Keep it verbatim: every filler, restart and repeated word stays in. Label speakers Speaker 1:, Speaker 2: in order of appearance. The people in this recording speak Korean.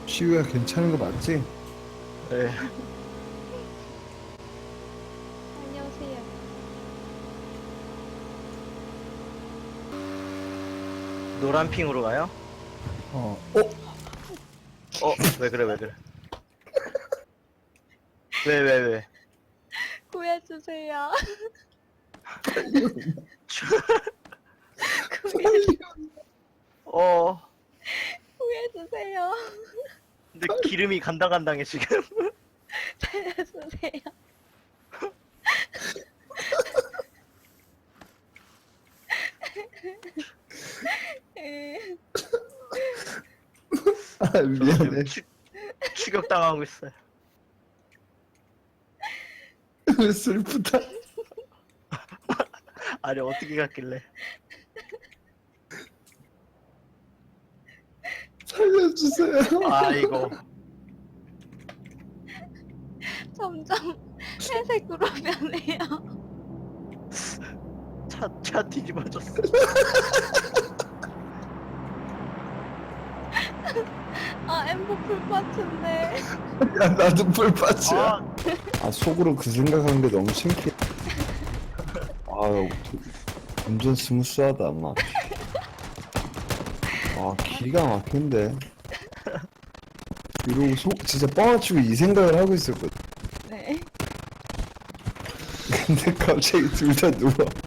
Speaker 1: 시우야 괜찮은 거 맞지?
Speaker 2: 네.
Speaker 3: 안녕하세요.
Speaker 2: 노란 핑으로 가요?
Speaker 1: 어. 어?
Speaker 2: 어? 왜 그래 왜 그래 왜 왜 왜?
Speaker 3: 구해주세요.
Speaker 2: 어
Speaker 3: 구해주세요.
Speaker 2: 근데 기름이 간당간당해 지금.
Speaker 3: 살려주세요.
Speaker 1: 아 미안해.
Speaker 2: 추, 추격당하고 있어요.
Speaker 1: 슬프다.
Speaker 2: 아니 어떻게 갔길래.
Speaker 1: 살려주세요.
Speaker 2: 아이고
Speaker 3: 점점 회색으로 변해요.
Speaker 2: 차, 차 뒤집어졌어.
Speaker 3: 아, 엠버 풀파츠인데.
Speaker 1: 야 나도 풀파츠야.
Speaker 2: 아
Speaker 1: 아 속으로 그 생각하는 게 너무 신기해. 아 완전 스무스하다 막. 아 기가 막힌데. 이러고 속 진짜 뻥아치고 이 생각을 하고 있었거든.
Speaker 3: 네.
Speaker 1: 근데 갑자기 둘 다 누워.